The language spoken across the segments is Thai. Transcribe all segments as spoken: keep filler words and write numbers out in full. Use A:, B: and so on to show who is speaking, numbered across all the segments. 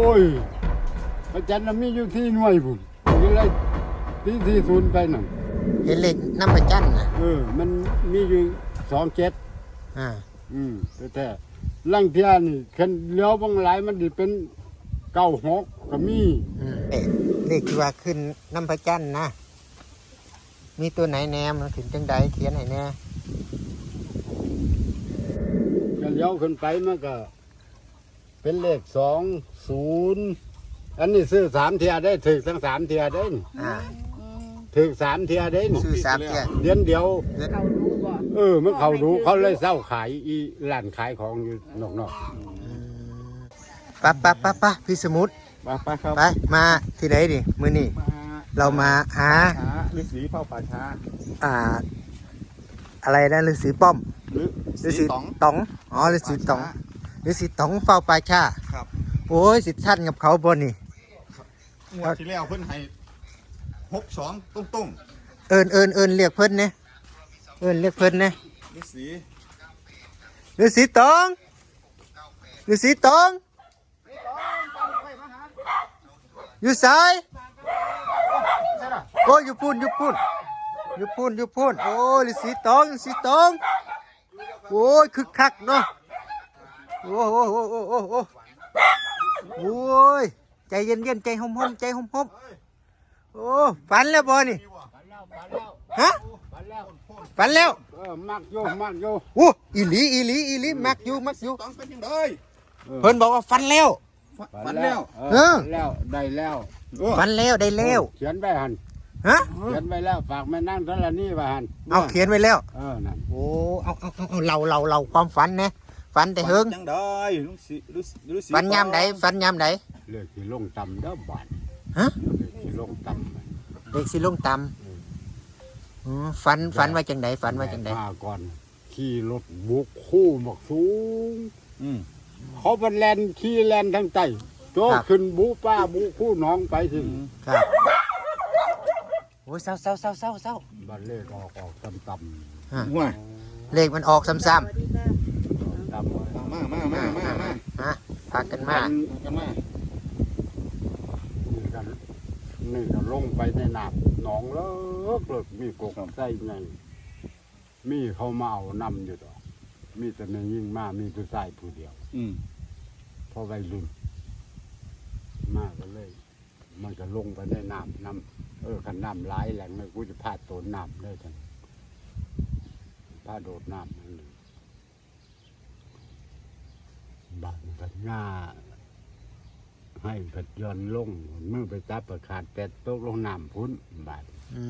A: ยพระจันทร์มีอยู่ที่หน่วยบุญนี่เลยที่ที่ศูนย์ไปหนึ่ง
B: เห็นเลขน้ำประจันนะ
A: เออมันมีอยู่สองเจ็ด
B: อ่า
A: อืมแต่ลังเทียนี่คันเลี้ยวบางหลายมันดิเป็นเก้าหกก็มี
B: อืมเลขที่ว่าขึ้นน้ำประจันนะมีตัวไหนแนมถึงจังใดเขียนไหนแน่
A: ก็เลี้ยวขึ้นไปมันก็เป็นเลขสองศูนย์อันนี้ซื้อสามเทียได้ถึกทั้งสามเทียได้
B: อ่า
A: ถึกสามเทียได้
B: ซื้อสามเทีย
A: เดือนเดียว
C: เขารู้บ่
A: เออมันเขารู้เขาเลยเศร้าขายอีร้านขายของอยู่นอก
B: ๆปะปะปะปะพี่สมุทร
A: ไปครับ
B: ไปมาที่ไหนดิมื้อนี้เรามาหา
A: ฤาษีเฝ้าป่าช้า
B: อ่าอะไรนะฤาษีป้อม
A: ฤาษีต๋อง
B: ต๋องอ๋อฤาษีต๋องฤาษีต๋องเฝ้าป่าช้า
A: ครับ
B: โอ้ยสิท่านกับเขาบ่นี่
A: งวดที่แล้วเพิ่นให้หกสองตุ้งตุ้ง
B: เอิญเอิญเอิญเรียกเพิ่นเนี่ยเอิญเรียกเพิ่นเนี่ย
A: ฤาษี
B: ฤาษีตองฤาษีตองอยู่สายโอ้ยอยู่พูนอยู่พูนอยู่พูนอยู่พูนโอ้ยฤาษีตองฤาษีตองโอ้ยคึกคักเนาะโอ้โหโอ้โหโอ้โหโอ้ยใจเย็นเย็นใจหอมหอมใจหอมหอมโอ้ฝันแล้วบ่นี่ฮะฝันแล้ว
A: เออมักโยมักโย
B: โอ้อีหลีอีหลีอีหลีมักอยู่มักอยู่
A: ต้องเป็นยังไง
B: เพิ่นบอกว่าฝันแล้ว
A: ฝันแล้วเออแล้วได้แล้ว
B: ฝันแล้วได้แล้ว
A: เขียนไปหัน
B: ฮะ
A: เขียนไปแล้วฝากแม่นั่งท่านละนี่ไปหัน
B: เอาเขียนไว้แล้ว
A: เออนั่น
B: โอ้เอาเอาเอาเราเราเราความฝันนะฝันแต่เฮิง
A: จังได้ลุงสิลุงสิ
B: ฝันยามใดฝันยามใด
A: เลือกที่ลงต่ำเด้อบาด
B: ฮะ
A: เลือกที่ลงต่ำ
B: เด็กสิลงต่ำอ๋อฝันฝันว่าจังไดฝันว่าจังได
A: มาก่อนขี่รถบุกคู่หมกสูงเขาเป็นแลนขี่แลนทั้งใจโจขึ้นบุป้าบุคู่น้องไปถึง
B: ครับโอ้ยเศร้าเศร้าเศร้าเศร้าเศร้า
A: บันเลขออกออกต่ำต่
B: ำว่าเลขมันออกซ้ำๆต่
A: ำมามามามามา
B: ฮะพากันมา
A: กันมานี่กันนี่ก็ลงไปในน้ำหนองเลิกเลิกมีกบใส่ไงมีเขามาเอานำอยู่ต่อมีแต่ในยิ่งมามีผู้ชายผู้เดียวอืมพอวัยรุ่นมากก็เลย มันก็ลงไปในน้ำน้ำเออขันน้ำไหลแหลงเลยกูจะพาดโดนน้ำได้ทันพาโดดน้ำนั่นบางกันง่าให้กัดย้อนลงเมื่อไปจับประขาดแต่ตกลงน้ำพุ้นบาด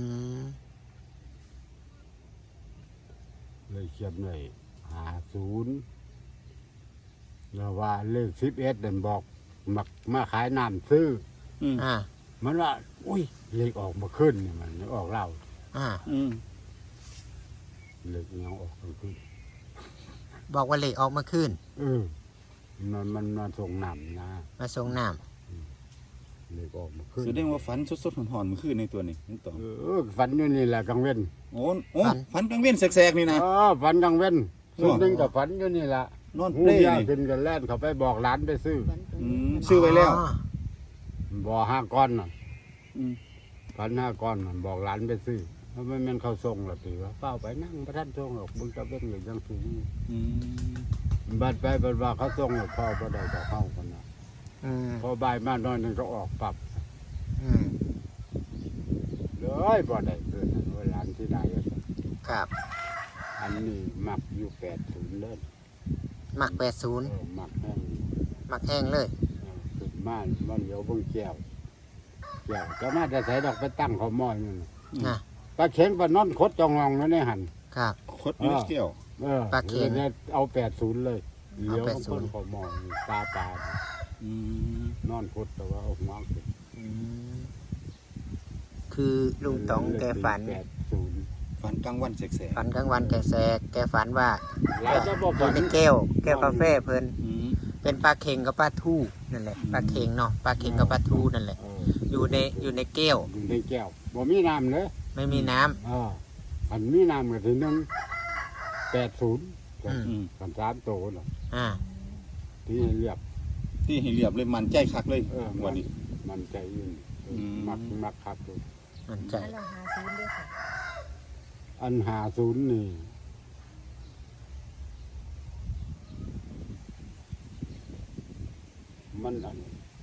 A: เลยเขียนเลยหาศูนย์แล้วว่าเลขสิบเอ็ดเดินบอกมักมาขายน้ำซื้ออ่ามันว่าอุ้ยเลขออกมาขึ้นเนี่ยมันออกเล่าอ่าอืมเลขยังออกมาขึ้น
B: บอกว่าเลขออกมาขึ้น
A: เออมันมันมาส่งน้ำนะ
B: มาส่งน้
A: ำเลขออกมาขึ้น
D: แสดงว่าฝันสดๆหอนๆมันขึ้นในตัวนี้นี่ต่อ
A: เออฝันอยู่นี่แหละกังเว้น
D: โอ้โอ้ฝันกังเว้นแสกๆนี่นะ
A: อ๋อฝันกังเว้นส่วนหนึ่งกับฝันอยู่นี่แหละ
D: นอนเปรย์
A: ขึ้นกันแล่นเขาไปบอกร้านไปซื้อ
D: ซื้อไว้แล้ว
A: บอกห้าก้อนน่ะพันห้าก้อนมันบอกร้านไปซื้อเพราะไม่แม่นเขาส่งหรอกตีว่าเป้าไปนั่งพระท่านส่งหรอกมึงจะเป็นอย่างยังสูงบัดไปบัดว่าเขาส่งหรอกพ่อก็ได้ต่อเข้ากันนะพอบ่ายมาหน่อยนึงก็ออกปรับเลยบ่ได้เกินเวลาที่ได้
B: ครับ
A: อันนี้หมักอยู่แปดศูนย์เลย
B: หมักแปดศูนย์
A: หมักแห้ง
B: หมักแห้งเลย
A: สุดมากมันเดี๋ยวเบิ่งแก้วแก้วจะมาแต่ใส่ดอกไปตั้งเขาหม้อนี่นะปลาเข็งปลานอนคดจองงองนั่นนี่หัน
B: ครับ
D: คดนี่เกี่ยว
A: ปลาเข็งเนี่ยเอาแปดศูนย์เลยเดี๋ยวคนเขาหม้อตาปลานอนคดแต่ว่าเอาหัว
B: คือลุงต๋องแกฝัน
D: ฝันกลางวันแสก
B: ฝันกลางวันแกแสกแกฝันว่าอยู่ในแก้วแก้วกาแฟเพิ่นเป็นปลาเค็งกับปลาทูนั่นแหละปลาเค็งเนาะปลาเค็งกับปลาทูนั่นแหละอยู่ในอยู่ในแก้ว
A: อยู่ในแก้วบ่มีน้ำเลย
B: ไม่มีน้ำ
A: อ่าอันมีน้ำก็ถึงหนึ่งแปดศูนย์กันสามโตเนาะอ่าที่เรียบ
D: ที่ให้เรียบเลยมันใจคักเลย
A: เออ
D: วันนี้
A: มันใจยืนเออ
D: ม
A: มักมักครับตัว
B: มั่นใจ
C: แล้วเราหาซื้อด้วยค่ะ
A: อันหาศูนย์นี่มันอัน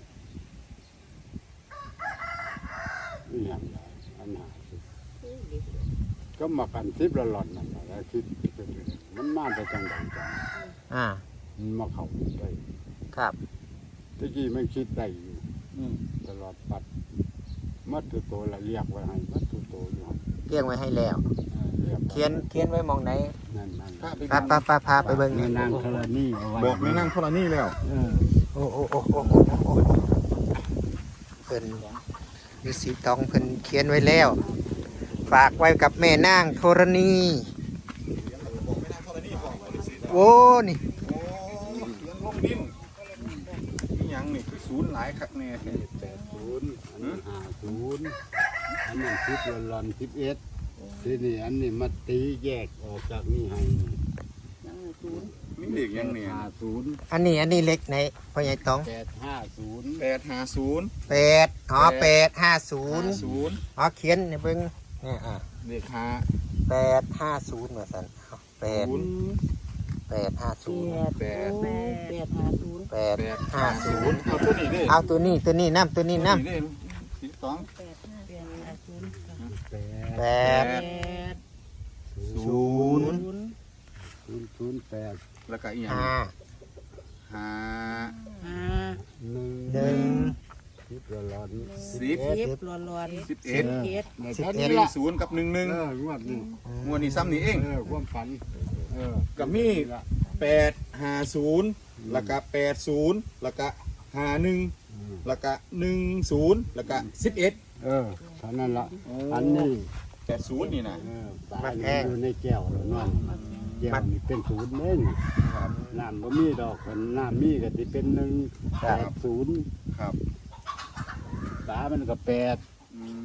A: อหย่างไรอันหาศูนย์ก็มากันทิพย์ละหล่อนนั่นแหละแล้วคิดเป็นเรื่องมันมาแต่จังหวัดจัง
B: อ่า
A: มันมาเข้าได้
B: ครับ
A: ตะกี้ไม่คิดได้อยู่
D: อืม
A: ตลอดปัดมัดตัวโตละเรียกไว้ให้มัดตัวโตอยู่หั่น
B: เรียงไว้ให้แล้ว
A: เออรีกไว้
B: เขียนเขียนไว้หมองไหน
A: นั่นนั่น
D: พาไป
B: พาพาพาพาไปเบิ่ง
A: แม่นางธรณีเอาไว้
D: บอกแม่นั่งธรณีแล้ว
A: เออ
B: โอ้โอ้โอ้โอ้โอ้โอ้เพิ่นฤาษีตองเพิ่นเขียนไว้แล้ว ฝากไว้กับแม่นางธรณี
D: บอกแม่นั่งธรณีบอกว่าฤาษี
B: โอ้นี่
D: โอ้เขียนลงดินนี่หยังนี่คือศูนย์หลายคักแน่
A: นี่แปดศูนย์อันนี้ห้าศูนย์อันนั้นสิบละหล่อนสิบเอ็ดทีนี้อันนี้มาตีแยกออกจากนี่ให้
C: ยังศูนย์
D: นี่เด็กยังเนี่ย
A: ห้าศูนย์
B: อันนี้อันนี้เล็กไหนพ่อใหญ่ตอง
A: แปดห้าศูนย์
D: แปดห้าศูนย์
B: แปดอ๋อแปดห้าศูนย์
D: ศูนย์
B: อ๋อเขียนในเบิ่งเนี่ยอ่ะ
D: เด็กห้า
B: แปดห้าศูนย์เหมือนกันเอาแปด
D: ศูนย์
B: แปดห้าศูนย์
C: แปดแปดแปดหาศูนย์
B: แปด
D: แปด
B: ห้า
D: ห้า
B: ศู
D: ศู
B: น
D: น
B: ย์
D: ย์เอาตัวนี้เด้
B: เอาตัวนี้ตัวนี้น้ำตัวนี้น้
D: ตัวเด้สีสอง
C: แปดห้าแปดหาศูนย์
A: แป
B: ำแป
A: ด
B: ด
C: แปด
B: ศูนย์
C: ศูนย์
A: ศูนย์ศูนย์แปด
D: แล้วก็อีกอย่าง
B: ห้า
D: ห้า
C: ห้า
A: หนึ่ง
B: หนึ่ง
A: สิบละหล่อน
D: สิบ
C: สิบร้อนร้อน
D: สิบเอ็ด
C: เอ็ด
A: ใน
B: สิบ
A: ชั้น
B: เอ็ด
A: นี้
D: หนึ่
A: ละ
D: งศูนย์กับหนึ่งหนึ่ง
A: เอองวดนี้
D: งวดนี้ซ้ำนี่เอง
A: เออความฝันเออ
D: กับมีแปดห้าศูนย์แล้วก็แปดศูนย์แล้วก็ห้าหนึ่ง
A: อืม
D: แล้วก็หนึ่งศูนย์แล้วก็สิบเอ็ด
A: เออเท่านั้นละอันนี้
D: แปดศูนย์นี่นะ
A: เออปลาเนี่ยอยู่ในแก้วแล้วนั่นแก้วนี่เป็นศูนย์เองน้ำบ่มีดอกคนน้ำมีก็สิเป็นหนึ่งแปดศูนย์
D: ครับ
A: ปลามันก็แปด
D: อืม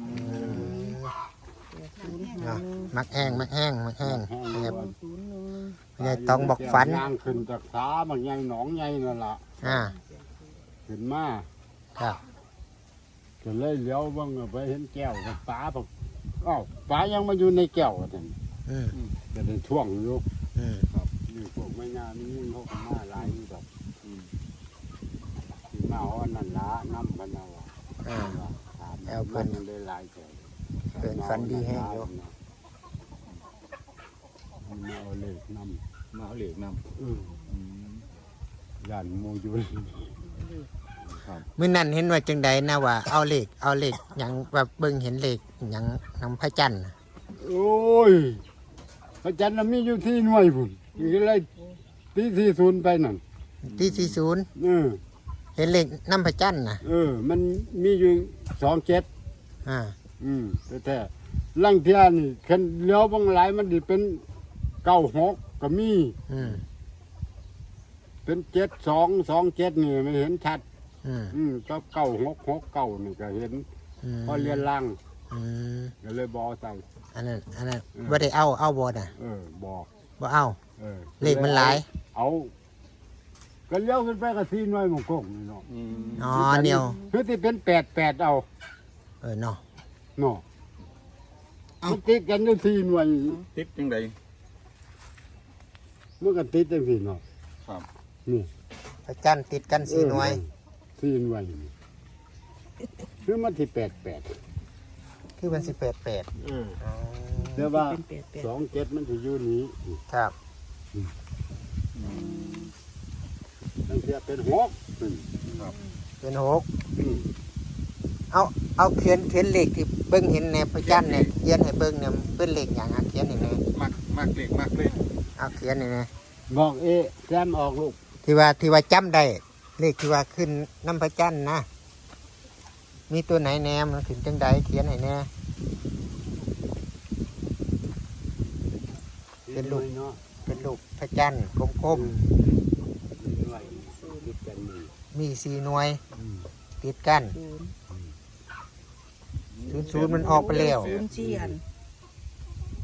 C: ศูนย์
B: อ่ะมักแห้งมักแห้งมักแห้ง
A: แห้ง
B: ครับ
A: ล้วน
C: ศูนย์หนึ่ง
B: พ่อใหญ่ตองบอกฝัน
A: ย่างขึ้นจากสาบางใหญ่หนองใหญ่นั่นล่ะ
B: อ่า
A: ขึ้นมา
B: ครับ
A: ก็เลยเลี้ยวเบิ่งไปเห็นแก้วกับปลาบอกอ้าวปลายังมาอยู่ในแก้วกันนั่น
B: อืม
A: ก็ได้ท่วงอยู่
B: อืม
A: นี่พวกไม่งานนี่เขาก็มาหลายอยู่ดอกอืมที่มาเอาอันนั้นละน้ำกันเอาอะ
B: อ่า
A: ถาม
B: เอาเพิ่น
A: มันได้หลายแถว
B: เพิ่นฝันดีแห้งอยู่
A: มาเอาเลขน
D: มาเอาเหล็กน
A: ำอืม
D: ำอืม
A: ยันโมยุล
D: ครับ
B: มื้อนั้นเห็นว่าจังใดนะว่าเอาเลขเอาเลขหยังแบบเบิ่งเห็นเลขหยังนำพระจันทร์น่ะ
A: โอ้ยพระจันทร์น่ะมีอยู่ที่หน่วยพุ่นมีอะไรตีสี่ศูนย์ไปนั่น
B: ที่สี่สิบ
A: เออ
B: เห็นเลขนำพระจันทร์น่ะ
A: เออ มันมีอยู่สองเจ็ด
B: อ่า
A: อืมแต่แต่ลังเทียนี่คันเลี้ยวบางหลายมันดิเป็นเก้าหกก็มี
B: อืม
A: เป็นเจ็ดสองสองเจ็ดนี่ไม่เห็นชัด
B: อืม
A: อืมก็เก้าหกหกเก้านี่ก็เห็น
B: อืม
A: พอเรียนล่าง
B: อืม
A: ก็เลยบอใส่
B: อันนั้นอันนั้น
A: อืม
B: บ่ได้เอาเอาบ่น่ะ
A: เออบอก
B: บ่เอา
A: เออ
B: เลขมันหลาย
A: เอาก็เลี้ยวขึ้นไปก็ซีน้อยหมงกงนี่เนาะ
D: อืม
B: อ๋อเนียว
A: คือที่เป็นแปดแปดเอา
B: เออเนาะ
A: เนาะมันติดกันอยู่ซีหน่วย
D: ติดยังไง
A: เมื่อกันติดจังสี่เนาะ
D: ครับ
A: นี่
B: พระจันทร์ติดกันสี่หน่วย
A: ซีหน่วยนี่คือมันที่แปดแปด
B: คือมันสิแปดแปด
A: เออ
B: อ๋อ
A: เดี๋ยวว่า
C: เป็นแปดแปด
A: สองเจ็ดมันจะอยู่นี้
B: ครับ
A: ตั้งแต่เป็นหกอืม
B: เป็นหก
A: อืม
B: เอาเอาเขียนเขียนเลขที่เบิ่งเห็นในพระจันทร์เนี่ยเขียนให้เบิ่งเนี่ยเป็นเลขหยังอ่ะเขียนให้แหน่
D: มักมักเหล็กมักเลย
B: เอาเขียนให้แหน่
A: บอกเอะแซมออกลูก
B: ที่ว่าที่ว่าจำได้เลขที่ว่าขึ้นน้ำพระจันทร์นะมีตัวไหนแหนมันขึ้นจังใดเขียนให้แหน่ เป็นลูก
A: เนาะ
B: เป็นลูกพระจันทร์กลม
A: หน่วยติดกันนี่
B: ๆมีสี่หน่วย
A: อืม
B: ติดกัน
C: ศูนย์
B: ศูนย์ศูนย์มันออกไปแล้ว
C: ศูนย์สี่อัน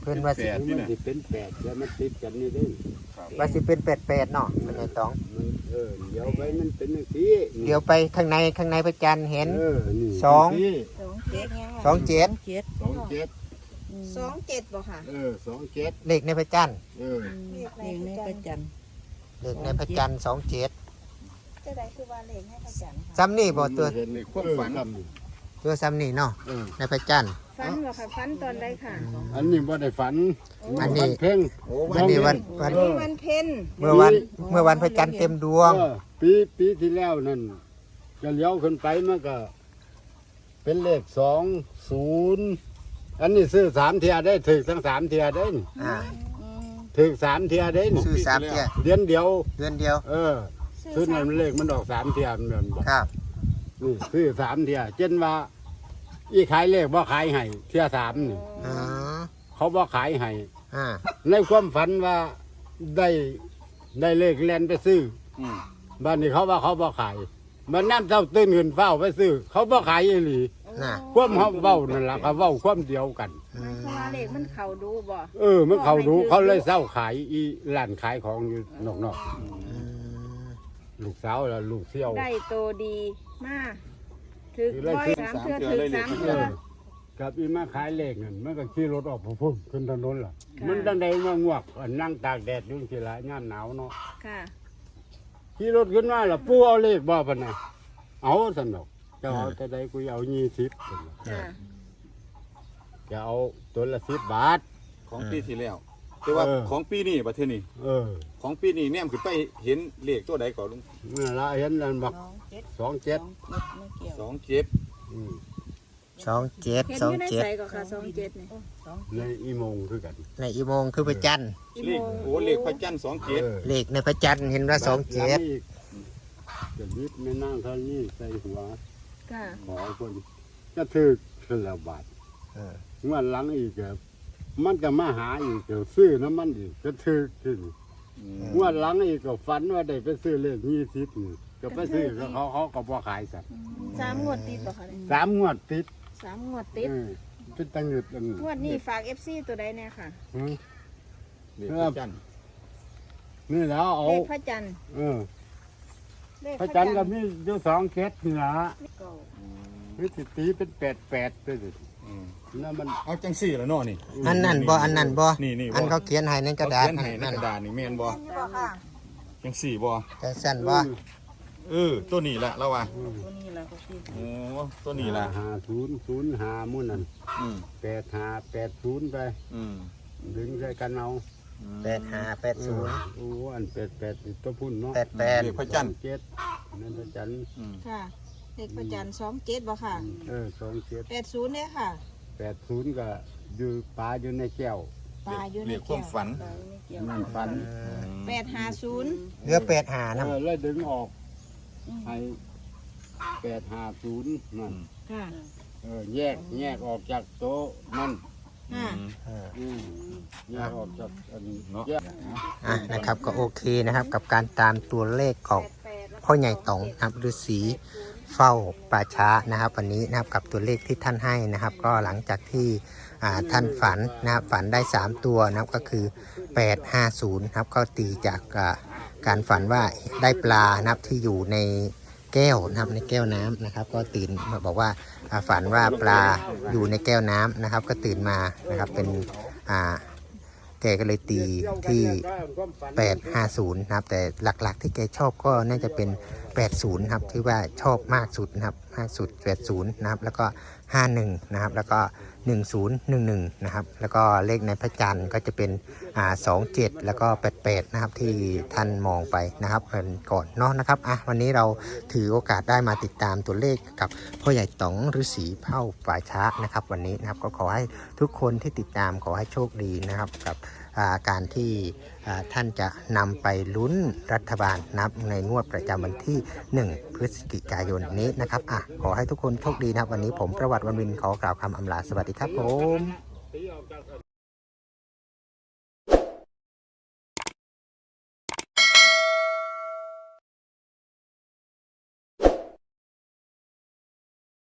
B: เพิ่นว่าสิ
D: แปด
A: มันสิเป็นแปดแล้วมันติดกันนี่เด้
B: ว่าสิเป็นแปดแปดเนาะมันไงต้อง
A: มันเออเดี๋ยวไปมันเป็นจังซี่
B: เดี๋ยวไปข้างในข้างในพระจันทร์เห็น
A: เออนี่
B: สอง
A: จัซี่
C: สองเจ็ดยัง
B: สองเจ็ด
C: เจ็ด
A: สองเจ็ด
E: สองเจ็ดบ่ค่ะ
A: เออสองเจ็ด
B: เลขในพระจันทร์
A: เออ
C: เลขในประจัน
B: เลขในพระจันทร์สองเจ็ด
E: จะได้คือว่าเลขให้พระจันทร์ค่ะ
B: ซ้ำนี่บ่ตัว
A: เห็น
D: ในความฝัน
A: เออซ้ำนี่
B: ตัวซ้ำนี่เนาะ
A: เออ
B: ในพระจันทร์
E: ฟันบ่ค่ะฟันตอนใดค่ะ
A: อันนี้บ่ได้ฝัน
B: อันนี้
A: วัเพ่ง
D: โอ้
B: อันนี้วันวัน
E: นี่วันเพ็ญ
B: เมื่อวันเมื่อวันพระจันทร์เต็มดวง
A: เออปีปีที่แล้วนั่นจะเลี้ยวขึ้นไปมันก็ เป็นเลขสองศูนย์อันนี้ซื้อสามเทียได้ถึกทั้งสามเทียได้นี่
B: อ่า
A: ถึกสามเทียได้นี่
B: ซื้อสามเที่ย
A: เดือนเดียว
B: เดือนเดียว
A: เออซื้อนั่นเลขมันออกสามเทียมันเหมือนบอก
B: ครับ
A: นี่ซื้อสามเทียเช่นว่า อีขายเลขบ่ขายให้เทียสามนี่
B: อ๋อ
A: เขาบ่ขายให้
B: อ่า
A: ในความฝันว่าได้ได้เลขแลนไปซื้อ
D: อืม
A: บ้านนี้เขาว่าเขาบ่ขายมันน้ำเจ้าตื่นขึ้นเฝ้าไปซื้อ เขาบ่ขายอีหลี
B: น่ะ
A: ความเขาเว้านั่นล่ะเขาเว้าความเดียวกัน
B: อื
E: มัน
B: ม
E: คือว่าเลขมันเข้าดูบ่
A: เออมันเขารู้เขาเลยเศร้าขายอีร้านขายของอยู่นอก
B: อืม
A: ๆลูกสาวแล้วลูกเสี่ยว
E: ได้โตดีมากถึก
A: คือได้
E: ร้อย
A: ซื้อ
E: สามเทื่อถึกสาม
A: เอ
E: เทื่อ
A: อกับอีมาขายเลขนั่นมันก็ขี่รถออกพุ่งขึ้นถนนล่ะ
E: ค่ะ
A: มันตั้งใดมางวกอันนั่งตากแดดอยู่สิละยามหนาวเนาะ
E: ค่ะ
A: ขี่รถขึ้นมาล่ะปู่เอาเลขบ่ปะนะเอาสนุกจะเอาแต่ใดกูเอายี่สิบ
E: ค่ะ
A: จะเอาตัวละสิบบาท
D: ของปีที่แล้วแต่ว่า
A: เออ
D: ของปีนี้ประเทศนี้
A: เออ
D: ของปีนี้แนมขึ้นไปเห็นเลขตัวใดก่อนลุง
A: นั่นละเห็นนั่นบัก
C: สองเจ็ด
A: สองเจ็ด
C: ไม่เกี่ยว
D: สองเจ็ด
A: อืม
B: สองเจ็ด
E: เห็น
B: สอ
E: อง ยู่ใน
B: เจ็ด
E: ใสก็ค่ะสองเจ็ดนี่
C: สอง
A: ในอีโมงคือกัน
B: ในอีโมงคือพระจันทร์
E: อี
D: เล
E: โม
D: ข
E: ง
D: โอ้เลขพระจันทร์สองเจ็ด
A: เออ
B: เลขในพระจันทร์เห็นว่าสองเจ็ด
A: บาทหลังอีกจะยิบไม่นั่งเท่านี้ใส่หัว
E: ค่ะ
A: ขอคนก็ถือคือละบาท
B: เออ
A: เมื่อหลังอีกก็มันก็มาหาอีกเดี๋ยวซื้อน้ำมันอีกก็ถือขึ้นเมื่อหลังอีกก็ฝันว่าได้ไปซื้อเลขยี่สิบนี่ก็ไปซื้อก็เขาเขาก็บ่ขายสัตว์
E: สามงวดติดบ่ค่ะเนี่ย
A: สามงวดติด
E: สามงวดติด
A: เออเป็นตังหยุดอัน
E: งวดนี้ฝาก เอฟ ซี ตัวใดแน่ค่ะ
A: หือ
D: เลขพระจันทร์
A: นี่แล้วเอา
E: เลขพระจันทร์
A: เออ
E: เลข
A: พระจันทร์ก็มีอยู่สองเคสนี่ละ
E: เก่า
A: วิธีตีเป็นแปดแปดไปสิ
D: อืม
A: นั่นมัน
D: เอาจังสี่แล้วเนาะนี่
B: อันนั้นบ่อันนั้นบ่
D: นี่นี่บ่
B: อันเขาเขียนให้ในกระดาษ
D: เขียนให้ใน
B: นั่น
D: กระดาษนี่แม่นบ่
E: นี่บ่ค่ะ
D: จังสี่บ่
B: แต่สั้นบ่
D: เออตัวนี้แหละเราว่า
C: ตัวนี้แหละก็คือ
D: โอ้ตัวนี้แหละ
A: หาศูนย์ศูนย์หามุ่นนั่น
D: อืม
A: แปดหาแปดศูนย์ไป
D: อืม
A: ดึงใส่กันเอา
B: แปดห้าแปดศูนย์
A: โอ้อันแปดแปดนี่ตัวพุ่นเนาะ
B: แปดแปด
D: เลขพระจันทร์
A: เจ็ดนั่นพระจันทร์
D: อืม
E: ค่ะ เลขพระจันทร์สองเจ็ดบ่ค่ะ
A: เออสองเจ็ด
E: แปดศูนย์เนี่ยค่ะ
A: แปดศูนย์ก็อยู่ปลาอยู่ในแก้ว
E: ปลาอยู่ใน
D: เลขค
E: แก้
D: วาม
E: ว
D: ฝัน
C: ไม่เกี่ยว
A: นั่นฝัน
E: แปดห้าศูนย์
B: เหลือแปดห้า
A: เอ
B: นะ
A: อแล้วดึงออกให้แปดหาศูนย์นั่น
E: ค่ะ
A: เออแยกแยกออกจากโต๊ะนั่น
E: ค่ะ
A: อืมแยกออกจากอัน
D: เนาะ
A: แยก
B: อ่ะนะครับก็โอเคนะครับกับการตามตัวเลขของพ่อใหญ่ต๋องนะครับฤาษีเฝ้าป่าช้านะครับวันนี้นะครับกับตัวเลขที่ท่านให้นะครับ ก็หลังจากที่อ่าท่านฝันนะครับฝันได้สามตัวนะครับก็คือแปดห้าศูนย์นะครับก็ตีจากอ่าการฝันว่าได้ปลานะครับที่อยู่ในแก้วนะครับในแก้วน้ำนะครับ ก็ตื่นมาบอกว่าอ่าฝันว่าปลาอยู่ในแก้วน้ำนะครับ ก็ตื่นมานะครับเป็นอ่าแกก็เลยตีที่แปดห้าศูนย์นะครับแต่หลักๆที่แกชอบก็น่าจะเป็นแปดศูนย์ครับที่ว่าชอบมากสุดนะครับมากสุดแปดศูนย์นะครับแล้วก็ห้าสิบเอ็ดนะครับแล้วก็หนึ่งศูนย์หนึ่งหนึ่งนะครับแล้วก็เลขในพระจันทร์ก็จะเป็นอ่าสองเจ็ดแล้วก็แปดแปดนะครับที่ท่านมองไปนะครับเป็นก่อนเนาะนะครับอ่ะวันนี้เราถือโอกาสได้มาติดตามตัวเลขกับพ่อใหญ่ต๋องฤาษีเผ่าป่าช้านะครับวันนี้นะครับก็ขอให้ทุกคนที่ติดตามขอให้โชคดีนะครับกับอ่าการที่อ่าท่านจะนำไปลุ้นรัฐบาลนับในงวดประจำวันที่หนึ่งพฤศจิกายนนี้นะครับอ่ะขอให้ทุกคนโชคดีนะครับวันนี้ผมประวัติวันวินขอกล่าวคำอำลาสวัสดีครับผม
A: ตีออกจาก